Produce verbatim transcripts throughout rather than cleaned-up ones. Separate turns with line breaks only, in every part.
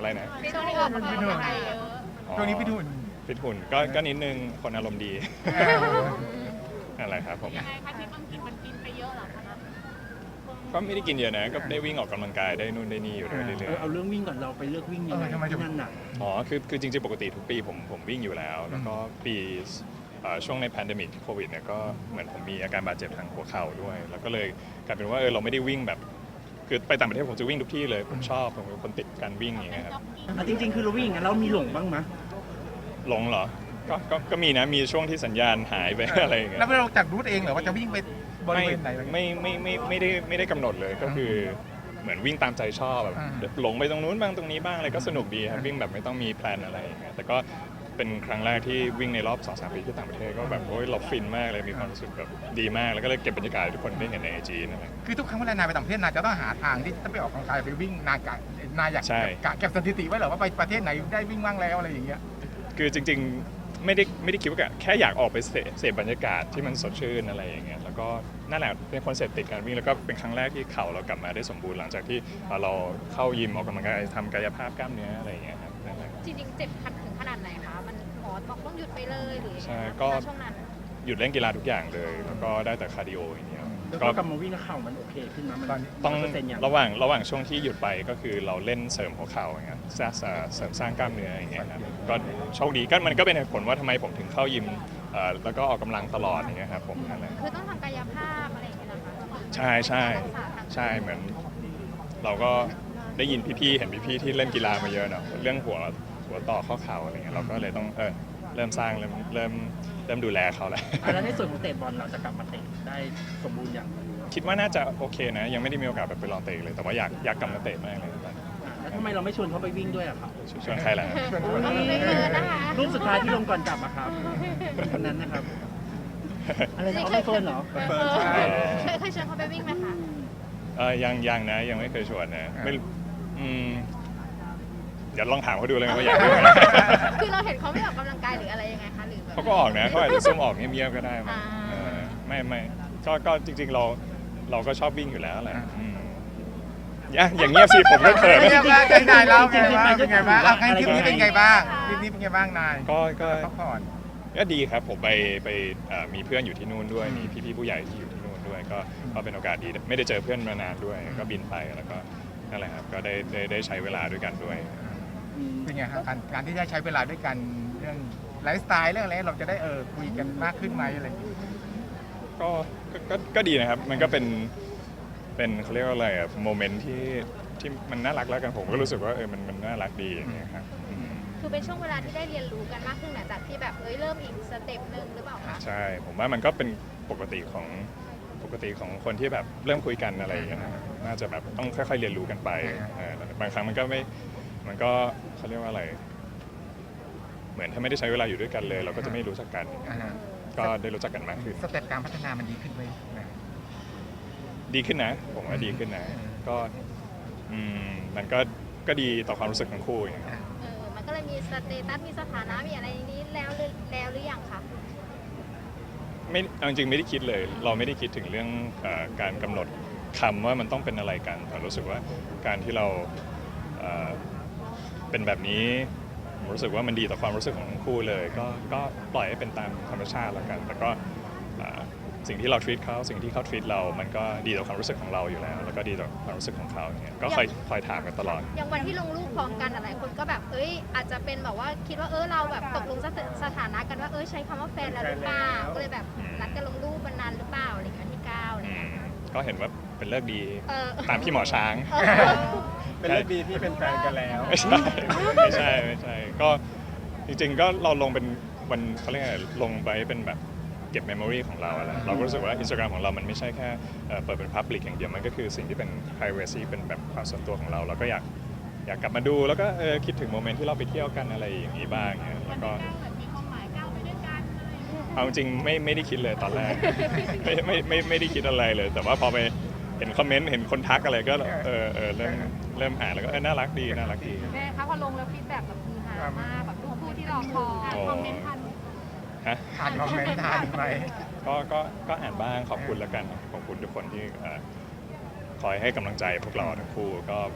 อะไรนะ
ช่วงนี้ออกกำลังกายเยอะ
ช่วงนี้พี่ดุน
ฟิตหุ่นก็ก็นิดนึงคนอารมณ์ดี
เออ
อะไรครับผม
ยังไงคะที่บางทีมันกินไปเยอะเหรอคะนะ
ก็ไม่ได้กินเยอะนะก็ได้วิ่งออกกำลังกายได้นู่นได้นี่อยู่ด้วยเรื่
เอ
อ
อย เอาเรื่องวิ่งก่อนเราไปเลือกวิ่งยังไง
เออทำไมถึง
ที่นั่นน่ะ
ๆอ๋อคือคือจริงๆปกติทุกปีผมผมวิ่งอยู่แล้ว แล้วก็ปีเอ่อช่วงในแพนเดมิกโควิดเนี่ยก็เหมือนผมมีอาการบาดเจ็บทางหัวเข่าด้วย แล้วก็เลยกลายเป็นว่าเออเราไม่ได้วิ่งแบบคือไปต่างประเทศผมจะวิ่งทุกที่เลยผมชอบผมเป็นคนติดการวิ่งอย่างเงี้ยครับ
อ่ะจริง ๆ คือเราวิ่งอย่างนั้นเรามีหลงบ้างไหม
หลงเหรอก็ก็ก็มีนะมีช่วงที่สัญญาณหายไป อะไรอย่างเงี้ย
แล้วเราจัดรูทเองเหรอว่าจะวิ่งไปบริ
ไม่
เวณไหนอะไรเงี้ย
ไม่ไม่ไม่ไม่ได้ไม่ได้กำหนดเลยก็คือเหมือนวิ่งตามใจชอบแบบ
อ่า
หลงไปตรงนู้นบ้างตรงนี้บ้างอะไรก็สนุกดีครับวิ่งแบบไม่ต้องมีแพลนอะไรอย่างเงี้ยแต่ก็เป็นครั้งแรกที่วิ่งในรอบ สองสาม ปีที่ต่างประเทศก็แบบโอ้ยเราฟินมากเลยมีความรู้สึกแบบดีมากแล้วก็เลยเก็บบรรยากาศให้ทุกคนได้เห็นในไอจีนั่นแหละ
คือทุกครั้งเวลานายไปต่างประเทศนายจะต้องหาทางที่จะไปออกกำลังกายไปวิ่งนายกะนายอยาก
ใช่
กะเก็บสถิติไว้เหรอว่าไปประเทศไหนได้วิ่งบ้างแล้วอะไรอย่างเงี้ย
คือจริงๆไม่ได้ไม่ได้คิดว่าแค่อยากออกไปเสพเสพบรรยากาศที่มันสดชื่นอะไรอย่างเงี้ยแล้วก็นั่นแหละเป็นคนเสพติดการวิ่งแล้วก็เป็นครั้งแรกที่เข่าเรากลับมาได้สมบูรณ์หลังจากที่เราเข้ายิมออกกำลังกายทำกายภาพกล้ามเนื้ออะไรอย่างเงี้ยครับนั่นแหละ
จริงๆเจ็บขัดถึงขนาดไหนคะมันหมอบอกต้องหยุดไปเลยหรือยัง
ใช่
ไงคะ
ก็
ณช่วงนั้น
หยุดเล่นกีฬาทุกอย่างเลย แล้วก็ได้แต่คาร์ดิโออย่างเดียว
แล้ว
ก็
ก็กลับมาวิ่งแล้วเข่ามันโอเคขึ้นไหมมัน
ต้อง
เปอร์เซ็นต์อย่าง
ระหว่างระหว่างช่วงที่หยุดไปก็คือเราเล่นเสริมหัวเข่าอย่างเงี้ยสร้างเสริมสร้างกล้ามเนื้ออย่างเงี้ยครับก็โชคดีก็มันก็เป็นเหตุผลว่าทำไมผมถึงเข้ายิมเอ่อแล้วก็ออกกำลังตลอดอย่างเงี้ยครับผมนั่นแหละ
คือต้องทำกายภาพอะไรอย่างเงี้ยนะคะ
ใช่ใช่
รักษาทาง
ใช่เหมือน เราก็ได้ยินพี่ๆเห็นพี่ๆที่เล่นกีฬามาเยอะเนาะเรื่องหัวหัวต่อข้อเข่าอะไรเงี้ยเราก็เลยต้องเออเริ่มสร้างเริ่มเริ่มเริ่มดูแลเขาแล้ว
อ่ะแล้วในส่วนของเตะบอลเราจะกลับมาเตะได้สมบูรณ์อย่าง
คิดว่าน่าจะโอเคนะ ยังไม่ได้มีโอกาสแบบไปลองเตะเลย แต่ว่าอยากอยากกลับมาเตะมากเลยตอนนี้
แล้วทำไมเราไม่ชวนเขาไปวิ่งด้วยอะครับ
ชวนใครล่ะ
ชวนชวน
เอาไปเกินนะคะ
รูปสุดท้ายที่ลงก่อนกลับอะครับคนนั้นนะครับ อะไรนะเอาไปเฟิร์นเหรอ
เออเคยเคยชวนเขาไปวิ่งไหมคะ
เออยังยังนะยังไม่เคยชวนนะไม่อืมเดี๋ยวลองถามเขาดูเลยว่าอยากดูไหม
คือเราเห็นเขาไม่ออกกำลังกายหรืออะไรยังไงคะหรือแบบ
เขาก็ออกนะเขาอาจจะซุ่มออกเงียบๆก็ได้มั้ง
อ่า
เออไม่ไม่ก็ก็จริง ๆ เราเราก็ชอบวิ่งอยู่แล้วแหละอืมอย่าอย่างเงียบสิผมก็เขิน
เป็นไงบ้างนายเล่าไงบ้าง
จริ
เป็น
งๆ
ไงบ้าง
ไปด้วย
เอาครั้งทริปนี้เป็นไงบ้างทริปนี้เป็นไงบ้างนาย
ก็ก็
พักผ่อน
ก็ดีครับผมไปไปเอ่อมีเพื่อนอยู่ที่นู่นด้วยมีพี่ๆผู้ใหญ่ที่อยู่ที่นู่นด้วยก็ก็เป็นโอกาสดีไม่ได้เจอเพื่อนมานานด้วย ก็บินไปแล้วก็นั่นแหละครับก็ได้ได้ได้ใช้เวลาด้วยกันด้วย
เป็นไงครับการการที่ได้ใช้เวลาด้วยกันเรื่องไลฟ์สไตล์เรื่องอะไรเราจะได้เออคุยกันมากขึ้นไหมอะไรอย่างเงี้ย
ก็ก็ก็ก็ดีนะครับมันก็เป็นเป็นเขาเรียกว่าอะไรอะโมเมนต์ที่ที่มันน่ารักแล้วกันผมก็รู้สึกว่าเออมันมันน่ารักดีอย่างเงี้ยครับอืม
คือเป็นช่วงเวลาที่ได้เรียนรู้กันมากขึ้นหลังจากที่แบบเอ้ยเริ่มอีกสเต็ปหนึ่งหรือเปล่าคะ
ใช่ผมว่ามันก็เป็นปกติของปกติของคนที่แบบเริ่มคุยกันอะไรอย่างเงี้ยนะน่าจะแบบต้องค่อยๆเรียนรู้กันไปเออบางครั้งมันก็ไม่มันก็เขาเรียกว่าอะไร เหมือนถ้าไม่ได้ใช้เวลาอยู่ด้วยกันเลย เราก็จะไม่รู้จักกัน
อ่าฮะ
ก็ได้รู้จักกันมากขึ้น
สเต็ปการพัฒนามันดีขึ้นไหมนะ
ดีขึ้นนะ ผมว่าดีขึ้นนะ ก็อืมมันก็ก็ดีต่อความรู้สึกทั้งคู่อย่างเงี้ย
เออมันก็เลยมีสเตตัสมีสถานะมีอะไรอย่างนี้แล้วหรือแล้วหรือยังคะ
ไม่เอาจริงๆไม่ได้คิดเลย เราไม่ได้คิดถึงเรื่องเออการกำหนดคำว่ามันต้องเป็นอะไรกันแต่รู้สึกว่าการที่เราเอ่อเป็นแบบนี้ผมรู้สึกว่ามันดีต่อความรู้สึกของทั้งคู่เลย ก็ก็ปล่อยให้เป็นตามธรรมชาติแล้วกัน แต่ก็เอ่อสิ่งที่เรา treat เขาสิ่งที่เขา treat เรา มันก็ดีต่อความรู้สึกของเราอยู่แล้ว แล้วก็ดีต่อความรู้สึกของเขาอย่างเงี้ยก็คอยคอยถามกันตลอด
อย่างวันที่ลงรูปพร้อมกันอะไรคนก็แบบเอ้ยอาจจะเป็นแบบว่าคิดว่าเออเราแบบตกลงสถสถานะกันว่าเออใช้คำว่าแฟนแล้วหรือเปล่าก็เลยแบบนัดกันลงรูปวันนั้นหรือเปล่าอะไรอย่างเงี้ยที่เก้าอะไร
อื
เงี้ย
มก็เห็นว่าเป็นเลิกดี
เออ
ตามพี่หมอช้าง
เออ
เป็นเรื่องดีที่เป็นแฟนกันแล้ว
ไม่ใช่ไม่ใช่ไม่ใช่ก็จริงๆก็เราลงเป็นวันเขาเรียกไงลงไปเป็นแบบเก็บเมมโมรีของเราอะไรเราก็รู้สึกว่า Instagram ของเรามันไม่ใช่แค่เอ่อเปิดเป็น Public อย่างเดียวมันก็คือสิ่งที่เป็น privacy เป็นแบบความส่วนตัวของเราเราก็อยากอยากกลับมาดูแล้วก็เออคิดถึงโมเมนต์ที่เราไปเที่ยวกันอะไรอย่างนี้บ้างเนี่ยแล้วก็เอาจริงๆไม่ไม่ได้คิดเลยตอนแรก ไม่ไม่ไม่ไม่ได้คิดอะไรเลย แต่ว่าพอไปเห็นคอมเมนต์เห็นคนทักอะไรก็เออเออเริ่มเริ่มอ่านแล้วก็เออน่ารักดีน่ารักดี
แม่คะพอลงแล้วฟีดแบ็กแบบคือฮามากแบบทุกผู้ที่รอคอยคอมเมนต์ทัน
ฮะ
อ่านคอมเมนต์ทานไหม
ก็ก็ก็อ่านบ้างขอบคุณแล้วกันขอบคุณทุกคนที่เอ่อคอยให้กำลังใจพวกเราทั้งคู่ก็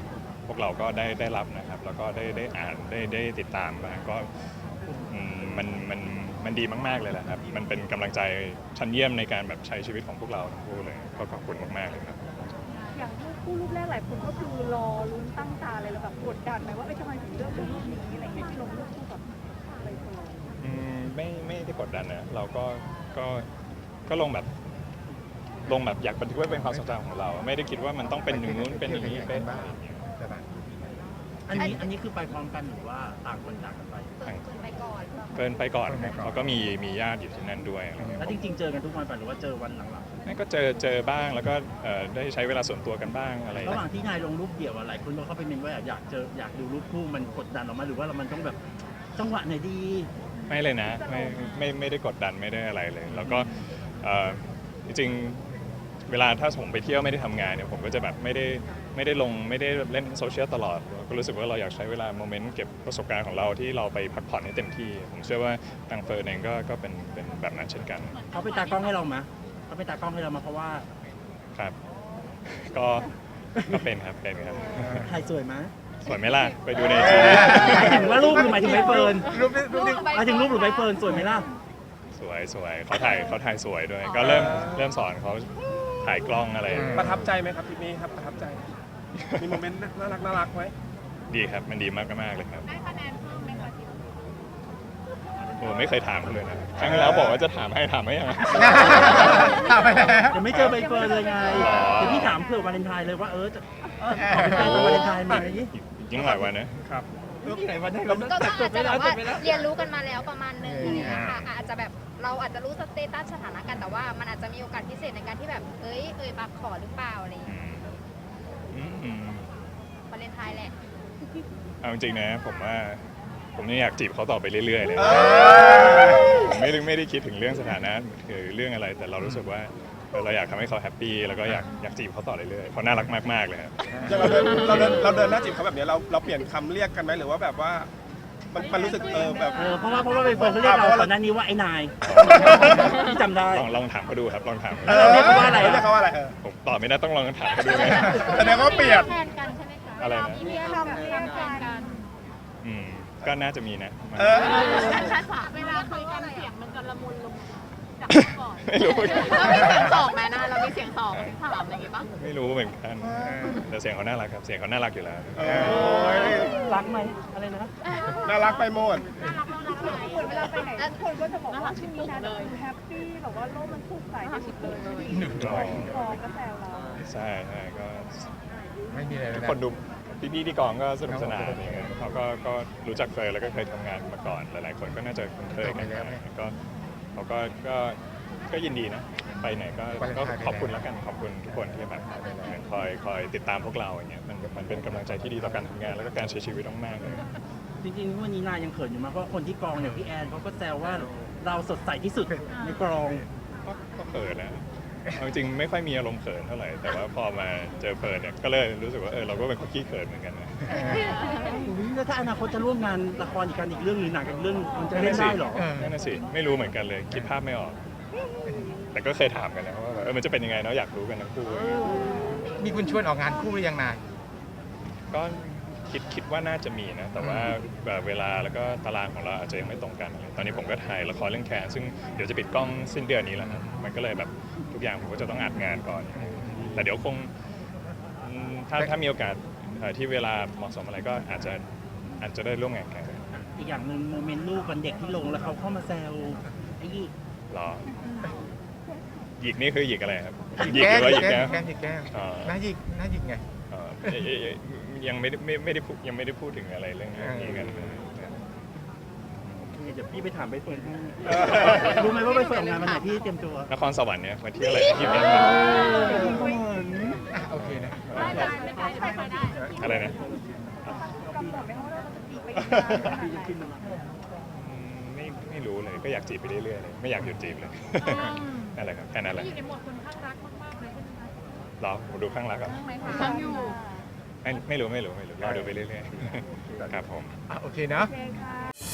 พวกเราก็ได้ได้รับนะครับแล้วก็ได้ได้อ่านได้ได้ติดตามมาก็อืมมันมันมันดีมากๆเลยแหละครับมันเป็นกำลังใจชั้นเยี่ยมในการแบบใช้ชีวิตของพวกเราทั้งคู่เลยก็ขอบคุณมากๆเลยครับ
อย่างรูปคู่รูปแรกหลายคนก็คือรอลุ้นตั้งตาเลยแล้วแบบกดดันไหมว่าเอ้ยทำไมถึงเลือกเป็นรูปนี้อะไรอย่างเงี้ยที่ลงรูปคู่กับใบเฟิร์น
อืมไม่ไม่ได้กดดันนะเราก็ก็ก็ลงแบบลงแบบอยากบันทึกไว้เป็นความทรงจำของเรา ไม่ได้คิดว่ามันต้องเป็นอย่างนู้นเป็นอย่างนี้เป็นอะไรอย่างเงี้ย
ใช่ปะ
อันนี้อันนี้คือไปพร้อมกันหรือว่าต่างคนต่างกันไป
เฟิร์นเฟิร์นไปก่อน
เฟิร์นไปก่อนครับเขาก็มีมีญาติอยู่ที่นั่นด้วยอะไรเงี้ย
แล้วจริง ๆ เจอกันทุกวันป่ะหรือว่าเจอวันหลัง
นั่นก็เจอเจอบ้างแล้วก็เอ่อได้ใช้เวลาส่วนตัวกันบ้างอะไร
ๆระหว่างที่นายลงรูปเดี่ยวอะหลายคนก็เข้าไปเมนว่าอยากเจออยากดูรูปคู่มันกดดันออกมาหรือว่าเรามันต้องแบบจังหวะไหนดี
ไม่เลยนะไม่ไม่ไม่ได้กดดันไม่ได้อะไรเลย แล้วก็เอ่อจริงๆเวลาถ้าผมไปเที่ยวไม่ได้ทำงานเนี่ยผมก็จะแบบไม่ได้ไม่ได้ลงไม่ได้เล่นโซเชียลตลอดก็รู้สึกว่าเราอยากใช้เวลาโมเมนต์เก็บประสบการณ์ของเราที่เราไปพักผ่อนให้เต็มที่ ผมเชื่อว่าทางเฟิร์นเองก็ก็เป็นเป็นแบบนั้นเช่นกัน
เขาไปตากล้องให้เราไหมเขาไปตากล้องให้เรามาเพราะว่า
ครับ ก็ก็เป็นครับเป็นครับ
ถ่ายสวยไหม
สวยไหมล่ะไปดูในทีวี
หมายถึงว่ารูปหรือหมายถึงใบเฟิร์น
รูปนี้รูปนี้
หมายถึงรูปหรือใบเฟิร์นสวยไหมล่ะ
สวยสวยเขาถ่ายเขาถ่ายสวยด้วย ก็เริ่มเริ่มสอนเขาถ่ายกล้องอะไร
ประทับใจไหมครับทริปนี้ครับประทับใจ มีโมเมนต์น่ารักน่ารักไหม
ดีครับมันดีมากมากๆเลยครับ
ได้คะแนนเพิ่มไหมคะที่
โอ้ไม่เคยถามเขาเลยนะครั้งที่แล้วบอกว่าจะถามให้ถามไม่ยัง
ถามไปแล้ว
ยังไม่เจอใบเฟิร์นเลยไง
อ๋อ
เดี๋ยวพี่ถามเผื่อวาเลนไทน์เลยว่าเออจะเออขอเป็นแฟนเป็นวาเลนไทน์ไหม
อีกยิ่งหลายวันนะ
ครับ
ที่ไหนวันไหนเรา
ก็ก็อาจจะแบบว่าเรียนรู้กันมาแล้วประมาณนึงอย่างเงี้ยค่ะอาจจะแบบเราอาจจะรู้สเตตัสสถานะกันแต่ว่ามันอาจจะมีโอกาสพิเศษในการที่แบบเอ้ยเอ่ยปากขอหรือเปล่าอะไรอย่าง
อื
เงี้ย
มอืมอืม
วาเลนไทน์แหละ
เอาจริงๆนะผมว่าผมยังอยากจีบเขาต่อไปเรื่อยๆเลยผมไม่ได้ไม่ได้คิดถึงเรื่องสถานะหรือเรื่องอะไร แต่เรารู้สึกว่าเออเราอยากทำให้เขาแฮปปี้แล้วก็อยากอยากจีบเขาต่อเรื่อยๆเขาน่ารักมากๆเลยครับ
อย่างเราเดินเราเดินเราเดินหน้าจีบเขาแบบเนี้ยเราเราเปลี่ยนคำเรียกกันไหมหรือว่าแบบว่ามันมันรู้สึกเออแบบ
เออเพราะว่าเพราะว่าใบเฟิร์นเขาเรียกเราก่อนหน้านี้ว่าไอ้นายที่จำได้
ลองลองถามเขาดูครับลองถาม
เออ
เรียกเขาว่าอะไรอะ
เรียกเขาว่าอะไรเออ
ผมตอบไม่ได้ต้องลองถามเขาดูไหม
แสดงว่าเปลี่ยน
แทนกันใช่ไหมคะ
อะไรนะ
มีเรียกคำเรียกแทนกัน
อืมก็น่าจะมีนะ
เออ
เวลาคุยกันเสียงมันจะละมุนลงจากก่อน
ไม่รู้
เรามีเสียงสองไหมนะเรามีเสียงสองถามอะไรอย่างงี้ปะ
ไม่รู้เหมือนกันแต่เสียงเขาน่ารักครับเสียงเขาน่ารักอยู่แล้ว
โอ้ย
รักไหมอะไรนะ
น่ารักไปหมด
คนเวลาไปไหนทุกคนก็จะบอกว่าช่วงนี้นะคือแฮปปี้แบบว่าโลกมันสดใสที่สุดเลย
หนึ่งร้อย
กองก็แซวเรา
ใช่ใช่ก็
ไม่มีอะไรเลย
ทุก
นะ
คนดูพี่พี่ๆที่กองก็สนุกสนานอย่างเงี้ยเขาก็ก็รู้จักเฟยแล้วก็เคยทำงานมาก่อนหลายๆคนก็น่าจะคุ้นเคยกันมาก็เขาก็ก็ก็ยินดีนะไปไหนก็ก็ขอบคุณแล้วกันขอบคุณทุกคนที่แบบคอยคอยติดตามพวกเราอย่างเงี้ยมันมันเป็นกำลังใจที่ดีต่อการทำงานแล้วก็การใช้ชีวิตมากๆเลย
จริงๆวันนี้นายยังเขินอยู่มากเพราะคนที่กองอย่างพี่แอนเขาก็แซวว่าเราสดใสที่สุดในกอง
ก็ก็เขินนะเอาจริงๆไม่ค่อยมีอารมณ์เขินเท่าไหร่ แต่ว่าพอมาเจอเฟิร์นเนี่ย ก็เลยรู้สึกว่าเออเราก็เป็นคนขี้เขินเหมือนกันนะ
อุ๊ยแล้วถ้าอนาคตจะร่วมงานละครอีกกันอีกเรื่องหรือหนังอีกเรื่องมันจะเล่นได้เหรอ
เออ
นั่นน่ะสิ ไม่รู้เหมือนกันเลย คิดภาพไม่ออก แต่ก็เคยถามกันนะว่าแบบเออมันจะเป็นยังไงเนาะอยากรู้กันทั้งคู่
มีคุณชวนออกงานคู่หรือยังนาย
ก็คิดคิดว่าน่าจะมีนะ แต่ว่าแบบเวลาแล้วก็ตารางของเราอาจจะยังไม่ตรงกันอะไรตอนนี้ผมก็ถ่ายละครเรื่องแคนซึ่งเดี๋ยวจะปิดกล้องสิ้นเดือนนี้แล้วครับมันก็เลยแบบทุกอย่างผมก็จะต้องอัดงานก่อน แต่เดี๋ยวคงอืมถ้าถ้ามีโอกาสเอ่อที่เวลาเหมาะสมอะไรก็อาจจะอาจจะได้ร่วมงานกัน
อีกอย่างหนึ่งโมเมนต์ลูกวันเด็กที่ลงแล้วเขาเข้ามาแซวไอ้ยี่
รอหยิกนี่คือหยิกอะไรครับหยิกหรือว่าหยิก
แก้
แก้
ม
ว
แก้มหยิกแก้ม
อ๋อ
หน้าหยิกหน้าหยิกไง
เอ่อเอ่ยเอ่ยเอ่ยยังไม่ได้ไม่ไม่ได้พูดยังไม่ได้พูดถึงอะไรเรื่องนี้กัน
เดี๋ยวพี่ไปถามใบเฟิร์นให้รู้ไหมว่าใบเฟิร์นออกงานวันไหนพี่เตรียมตัวน
ครสวรรค์เนี่ยวันที่อะไรที่เป็น
อ่ะโอเคนะ
อะไรนะ
กำหนดไหมว่าเราจะจีบไปอีกนานขนาด
พี่
ไห
จะขึ้น
น
มา
อืมไม่ไม่รู้เลยก็อยากจีบไปเรื่อยๆเลยไม่อยากหยุดจีบเลยนั่นแหละครับแค่นั้นแหละ
อยู่ในโหมดคนข้างรักมากๆเลยใช่ไหมคะ
รอผมดูข้างรักก่อน
ข้างอยู่
ไม่ไม่รู้ไม่รู้ไม่รู้รอดูไปเรื่อยๆครับผม
อ่ะโอเคเนาะ
โอเคค่ะ